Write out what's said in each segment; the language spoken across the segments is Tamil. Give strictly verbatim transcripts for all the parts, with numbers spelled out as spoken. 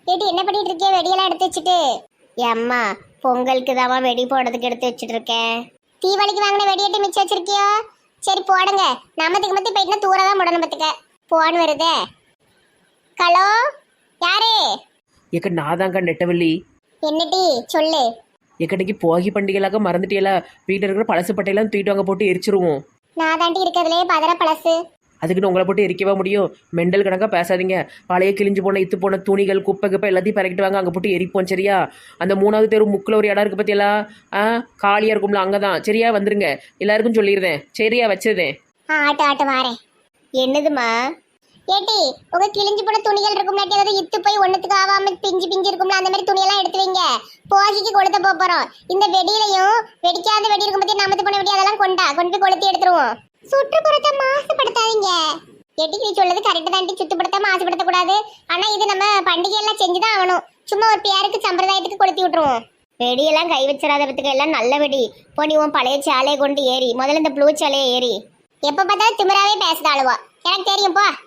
ஏட்டி என்ன பண்ணிட்டு இருக்கே? வெடியெல்லாம் எடுத்து வச்சுட்டு. அம்மா பொங்கலுக்கு தாமா வெடி போடுறதுக்கு எடுத்து வச்சுட்டு இருக்கேன். தீபாவளிக்கு வாங்கின வெடியேட்டு மிச்சம் வச்சிருக்கியோ? சரி போடுங்க. நம்மத்துக்கு மத்தி போயிட்டுனா தூரதான் முடணும் பத்துக்க. போன் வருதே. ஹலோ யாரு? ஏக்க நான் தாங்க நெட்டவள்ளி. என்னடி சொல்லு. எக்கடைக்கு போகி பண்டிகைலாக்க மறந்துட்டியல. வீட்டில் இருக்கிற பழசு பட்டையெல்லாம் தூக்கிட்டு வாங்க போட்டு எரிச்சிருவோம். நான் தாண்டி இருக்கிறதுலே பதற பழசு. அதுக்குன்னு உங்களை போட்டு எரிக்கவா முடியும்? மெண்டல் கணக்காக பேசாதீங்க. பழைய கிழிஞ்சு போன இத்து போன துணிகள் குப்பை குப்பை எல்லாத்தையும் பறக்கிட்டு வாங்க, அங்கே போட்டு எரிப்போம் சரியா? அந்த மூணாவது தெரு முக்கில் ஒரு இடம் இருக்குது பற்றியெல்லாம், ஆ காலியாக இருக்கும்ல, அங்கே தான் சரியா? வந்துருங்க, எல்லாருக்கும் சொல்லிடுறேன் சரியா? வச்சிருந்தேன். ஆ ஆட்டு ஆட்டு வாரேன். என்னதுமா? ஏட்டி உங்க கிழிஞ்சு போன துணிகள் இருக்கும், ஏதாவது இத்து போய் ஒண்ணுத்துக்கு ஆகாம பிஞ்சு பிஞ்சு இருக்கும்ல, அந்த மாதிரி துணியெல்லாம் எடுத்து வைங்க. போகிக்கு கொளுத்த போறோம். இந்த வெடியிலையும் வெடிக்காத வெடி இருக்கும் பத்தி நமத்து போன வெடி அதெல்லாம் கொண்டா கொண்டு போய் கொளுத்தி எடுத்துருவோம். சுற்றுப்புறத்தை மாசுபடுத்தாதீங்க. எட்டி நீ சொல்றது கரெக்ட் தாண்டி. சுத்தப்படுத்த மாசுபடுத்த கூடாது. ஆனா இது நம்ம பண்டிகை எல்லாம் செஞ்சுதான் ஆகணும். சும்மா ஒரு பேருக்கு சம்பிரதாயத்துக்கு கொளுத்தி விட்டுருவோம். வெடியெல்லாம் கை வச்சிடாத பத்துக்கு எல்லாம் நல்ல வெடி. போனி உன் பழைய சாலையை கொண்டு ஏறி முதல்ல இந்த ப்ளூ சாலையை ஏறி. எப்ப பார்த்தாலும் திமிராவே பேசுதாளுவா. எனக்கு தெரியும் போ.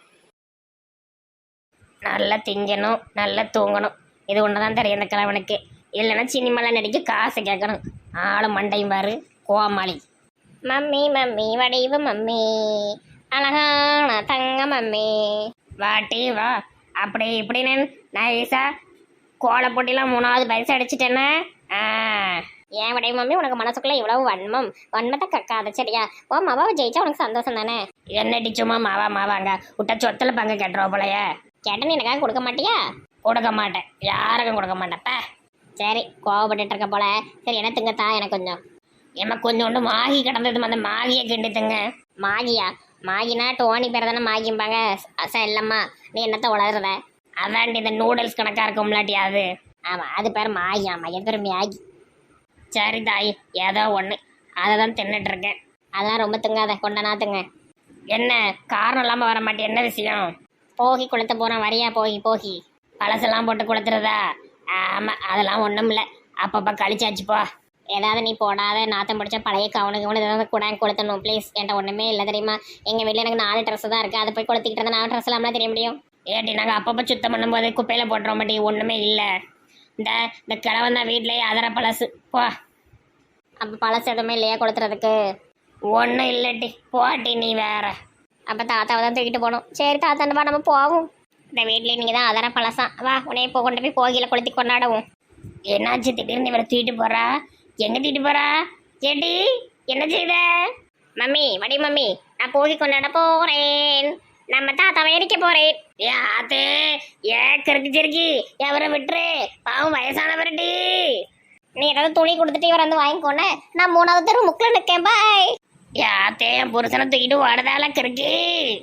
நல்லா திங்கணும், நல்லா தூங்கணும். இது ஒன்று தான் தெரியும் இந்த கிழவனுக்கு. இல்லைன்னா சினிமாவில் நடிக்க காசு கேட்கணும். ஆளும் மண்டையும் பாரு கோமாளி. மம்மி மம்மி வடிவு மம்மி, அழகான தங்க மம்மி, வாட்டி வா. அப்படி இப்படின்னு நைஸா கோலை போட்டிலாம் மூணாவது பரிசு அடிச்சிட்டேன்னா ஏன் வடிவு மம்மி உனக்கு மனசுக்குள்ள இவ்வளவு வன்மம்? வன்மத்தை கக்காத சரியா? ஓ மாவாவை ஜெயிச்சா உனக்கு சந்தோஷம் தானே? என்னடி சும்மா மாவா மாவாங்க விட்ட சொத்துல பங்கு கேட்டுருவா போலைய. கேட்டேன்னு எனக்காக கொடுக்க மாட்டியா? கொடுக்க மாட்டேன், யாருக்கும் கொடுக்க மாட்டேன்ப்ப. சரி கோவப்பட்டு இருக்க போல. சரி என்ன திங்கத்தா எனக்கு கொஞ்சம். ஏமா கொஞ்சோண்டு மாகி கிடந்தது, அந்த மாகியை கிண்டித்துங்க. மாகியா? மாகினா டோனி பேர் தானே மாகிம்பாங்க. அசா இல்லம்மா நீ என்னத்த உளறத? அதாண்டி இந்த நூடுல்ஸ் கணக்கா இருக்கும்லாட்டி அது. ஆமாம் அது பேர் மாகி. ஆமாம் எது பேர் மேகி. சரி தாய் ஏதோ ஒன்று அதை தான் தின்னுட்டு இருக்கேன். அதெல்லாம் ரொம்ப திங்காத, கொண்டனா திங்க. என்ன காரணம் இல்லாமல் வர மாட்டேன், என்ன விஷயம்? போகி கொளுத்த போகிறோம் வரியா? போகி போகி பழசெல்லாம் போட்டு கொளுத்துறதா? ஆமாம் அதெல்லாம் ஒன்றும் இல்லை, அப்பப்போ கழிச்சாச்சுப்பா. ஏதாவது நீ போடாத நாத்தம் பிடிச்ச பழைய கவனுக்கு கவனு ஏதாவது கூட கொளுத்தணும் ப்ளீஸ். என்கிட்ட ஒன்றுமே இல்லை தெரியுமா? எங்கள் வீட்டில் எனக்கு நாலு ட்ரெஸ் தான் இருக்குது. அதை போய் கொளுத்திக்கிட்டு இருந்தால் நாலு ட்ரெஸ் இல்லாமல் தெரிய முடியும். ஏட்டி நாங்கள் அப்பப்போ சுத்தம் பண்ணும்போது குப்பையில் போட்டுறோம் மாட்டி ஒன்றுமே இல்லை. இந்த இந்த கிழவன் தான் வீட்டிலேயே அதர பழசு போ. அப்போ பழசு எதுவுமே இல்லையா கொளுத்துறதுக்கு? ஒன்றும் இல்லட்டி போட்டி நீ வேற. அப்போ தாத்தாவை தான் தூக்கிட்டு போகணும். சரி தாத்தாண்டப்பா நம்ம போவோம். இந்த வீட்லேயே நீங்கள் தான் அதர பழசாம். வா உன்னைய இப்போ கொண்டு போய் போகியில் கொளுத்தி கொண்டாடுவோம். என்னாச்சு திடீர்னு இவரை தூக்கிட்டு போகிறா? எங்கே தூக்கிட்டு போகிறா? ஏட்டி என்ன செய்த? மம்மி வடி மம்மி நான் போகி கொண்டாட போகிறேன். நம்ம தாத்தாவை எரிக்க போகிறேன். ஏ ஆத்தே ஏ கிறுக்கு சிறுக்கி எவரை விட்டுரு, பாவம் வயசானவரடி. நீ ஏதாவது துணி கொடுத்துட்டு இவரை வந்து வாங்கிக்கோன்னு நான் மூணாவது தெரு முக்கில் நிற்கேன். பாய். யாத்தே என் புருஷனை தூக்கிட்டு ஓடுதால கிறுக்கி.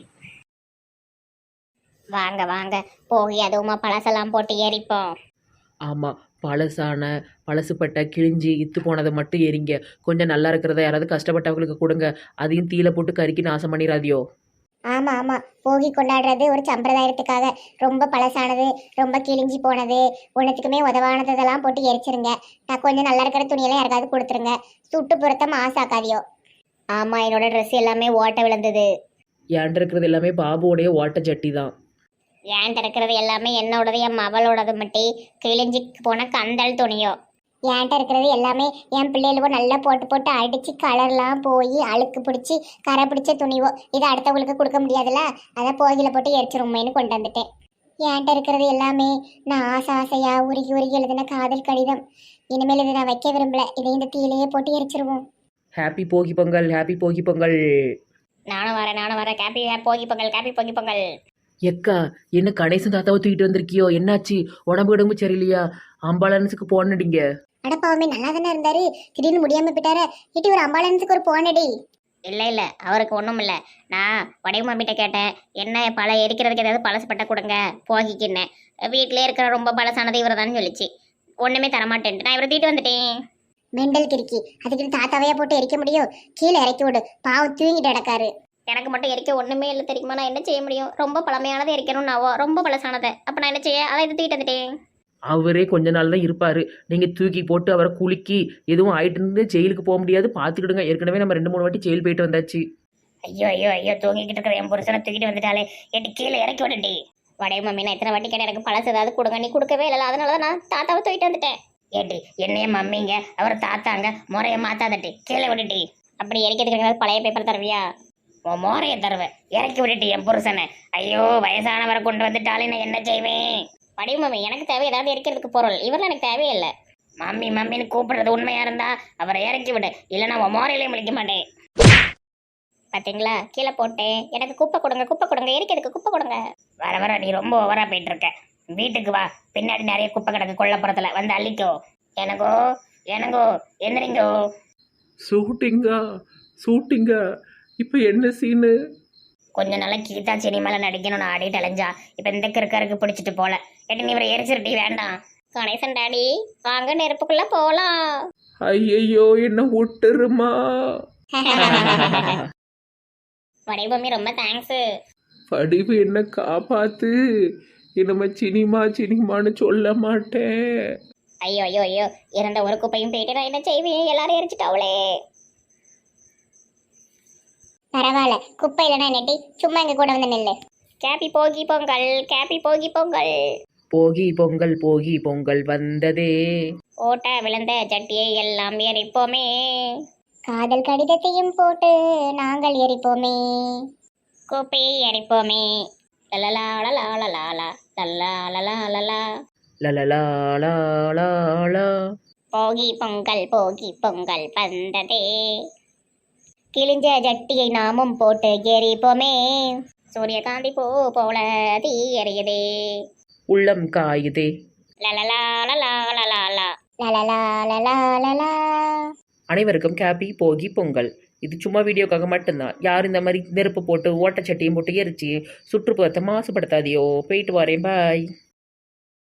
வாங்க வாங்க போகி அதுவுமா பழசெல்லாம் போட்டு எரிப்போம். ஆமாம் பழசான பழசுப்பட்ட கிழிஞ்சி இத்து போனதை மட்டும் எரிங்க. கொஞ்சம் நல்லா இருக்கிறத யாராவது கஷ்டப்பட்டவங்களுக்கு கொடுங்க. அதையும் தீயில போட்டு கருக்கி நாசம் பண்ணிடாதியோ. ஆமா ஆமா போகி கொண்டாடுறது ஒரு சம்பிரதாயத்துக்காக. ரொம்ப பழசானது ரொம்ப கிழிஞ்சி போனது ஒன்றுத்துக்குமே உதவானதெல்லாம் போட்டு எரிச்சிருங்க. நான் கொஞ்சம் நல்லா இருக்கிற துணியெல்லாம் யாருக்காவது கொடுத்துருங்க. சுட்டுப்புறத்தை மாசாக்காதியோ. ஆமா என்னோட ட்ரெஸ் எல்லாமே ஓட்ட விழுந்தது. ஏன்ட்டு இருக்கிறது எல்லாமே பாபுவோடைய ஓட்ட சட்டி தான். ஏன்ட்டு இருக்கிறது எல்லாமே என்னோடது என் மவளோடது மட்டும் கிழிஞ்சி போன கந்தல் துணியோ. ஏன்ட்ட இருக்கிறது எல்லாமே என் பிள்ளைகளுக்கும் நல்லா போட்டு போட்டு அடித்து கலர்லாம் போய் அழுக்கு பிடிச்சி கரை பிடிச்ச துணிவோ. இதை அடுத்தவங்களுக்கு கொடுக்க முடியாதுல்ல, அதான் போகியில் போட்டு எரிச்சிருமேன்னு கொண்டு வந்துட்டேன். ஏன்ட்ட இருக்கிறது எல்லாமே நான் ஆசை ஆசையாக உருகி உருகி எழுதின காதல் கடிதம். இனிமேல் இதை நான் வைக்க விரும்பல. இதை இந்த தீயிலேயே போட்டு எரிச்சிருவோம். ஹாப்பி போகி பொங்கல், ஹாப்பி போகி பொங்கல். நானும் வரேன் நானும் வரேன். கேப்பி போகி பொங்கல், கேப்பி போகி பொங்கல். எக்கா என்ன கணேசன் தாத்தாவை தூக்கிட்டு வந்திருக்கியோ? என்னாச்சு? உடம்பு உடம்பு சரியில்லையா? அம்பாலன்ஸுக்கு போனடிங்க. அடப்பாவுமே நல்லா தானே இருந்தாரு, திடீர்னு முடியாம போயிட்டாரு. இட்டி ஒரு அம்பாலன்ஸுக்கு ஒரு போனடி. இல்லை இல்லை அவருக்கு ஒன்றும் இல்லை. நான் வடிவு மம்மிட்ட கேட்டேன், என்ன பழ எரிக்கிறதுக்கு ஏதாவது பழசு பட்ட கொடுங்க போகிக்குன்னு. வீட்டிலே இருக்கிற ரொம்ப பழசானது இவர் தான் சொல்லிச்சு. ஒன்றுமே தரமாட்டேன்ட்டு நான் இவரை தூக்கிட்டு வந்துட்டேன். மெண்டல் கிறுக்கி, அதுக்கு தாத்தாவையா போட்டு எரிக்க முடியும்? கீழே இறக்கி விடு, பாவம் தூங்கிட்டு கிடக்காரு. எனக்கு மட்டும் எரிக்க ஒன்றுமே இல்லை தெரியுமா? நான் என்ன செய்ய முடியும்? ரொம்ப பழமையானதை எரிக்கணும் நாவோ, ரொம்ப பழசானதை. அப்போ நான் என்ன செய்ய? அதை இது தூக்கிட்டு வந்துட்டேன். அவரே கொஞ்ச நாள் தான் இருப்பார். நீங்கள் தூக்கி போட்டு அவரை குலுக்கி எதுவும் ஆயிட்டு ஜெயிலுக்கு போக முடியாது, பார்த்துக்கிடுங்க. ஏற்கனவே நம்ம ரெண்டு மூணு வாட்டி ஜெயில் போயிட்டு வந்தாச்சு. ஐயோ ஐயோ ஐயோ தூங்கிக்கிட்டு இருக்கிற என் புருஷனை தூக்கிட்டு வந்துட்டாலே. எட்டு கீழே இறக்கி விடுடி. வடைய மம்மி நான் எத்தனை வாட்டி கேட்டேன் எனக்கு பழசு ஏதாவது கொடுங்க, நீ கொடுக்கவே இல்லை, அதனால தான் நான் தாத்தாவை தூக்கிட்டு வந்துட்டேன். ஏட்டி என்னைய மம்மிங்க அவர் தாத்தாங்க, முறைய மாத்தாதட்டி கீழே விட்டுட்டி. அப்படி இறக்கிறதுக்கு ஏதாவது பழைய பேப்பர் தருவியா? உன் மோரைய தருவேன், இறக்கி விட்டுட்டி என் புருஷனை. ஐயோ வயசானவரை கொண்டு வந்துட்டாலே நான் என்ன செய்வேன்? வடிவு மம்மி எனக்கு தேவை ஏதாவது இறக்கிறதுக்கு பொருள், இவரெல்லாம் எனக்கு தேவையில்லை. மம்மி மம்மின்னு கூப்பிடுறது உண்மையா இருந்தா அவரை இறக்கி விடு, இல்லைன்னா உன் மோரையிலே முழிக்க மாட்டேன். பாத்தீங்களா கீழே போட்டேன், எனக்கு குப்பை கொடுங்க குப்பை கொடுங்க, எரிக்கிறதுக்கு குப்பை கொடுங்க. வர வர நீ ரொம்ப ஓவரா போயிட்டு இருக்க. வீட்டுக்கு வா, பின்னாடி நிறைய குப்பை கிடக்கு கொல்லப்புறத்துல, வந்து அள்ளிக்கோ. எனக்கோ எனங்கோ எந்திரிங்கோ. ஷூட்டிங்கா ஷூட்டிங்கா இப்போ என்ன சீனு? கொஞ்ச நாளா கீதா சினிமால நடிக்கணும்னு ஆடிட்டு அலைஞ்சா, இப்ப இந்த கிறுக்கருக்கு பிடிச்சிட்டு போல. ஏட்டி நீ இவரை எரிச்சிருட்டி வேண்டாம். கணேசன் டாடி வாங்க நெருப்புக்குள்ள போலாம். ஐயையோ என்ன விட்டுருமா. வடிவமி ரொம்ப தேங்க்ஸ். படிவு என்ன காப்பாத்து, இனிமே சினிமா சினிமான்னு சொல்ல மாட்டேன். ஐயோ ஐயோ ஐயோ இறந்த ஒரு குப்பையும் போயிட்டு நான் என்ன செய்வேன், எல்லாரும் எரிச்சிட்டாவளே. பரவாயில்ல, குப்பை இல்லைனா நெட்டி சும்மா எங்க கூட வந்து நெல்லு. கேப்பி போகி பொங்கல், கேப்பி போகி பொங்கல். போகி பொங்கல் போகி பொங்கல் வந்ததே. ஓட்ட விழுந்த சட்டியை எல்லாம் எரிப்போமே. காதல் கடிதத்தையும் போட்டு நாங்கள் எரிப்போமே. குப்பையை எரிப்போமே. லலலா லலா லலா லலா லலா லலா. லலலா லா. போகி பொங்கல் போகி பொங்கல் வந்ததே. கிழிஞ்ச ஜட்டியை நாமும் போட்டு எரிப்போமே. சூரியகாந்தி பூ போல தீ எரியுதே. உள்ளம் காயுதே. லலலா லலா லலா லா. லலலா லலா லலா. அனைவருக்கும் ஹாப்பி போகி பொங்கல். இது சும்மா வீடியோக்காக மட்டும்தான். யார் இந்த மாதிரி நெருப்பு போட்டு ஓட்டச்சட்டியும் போட்டு எரிச்சு சுற்றுப்புறத்தை மாசுபடுத்தாதியோ. போயிட்டு வரேன், பாய்.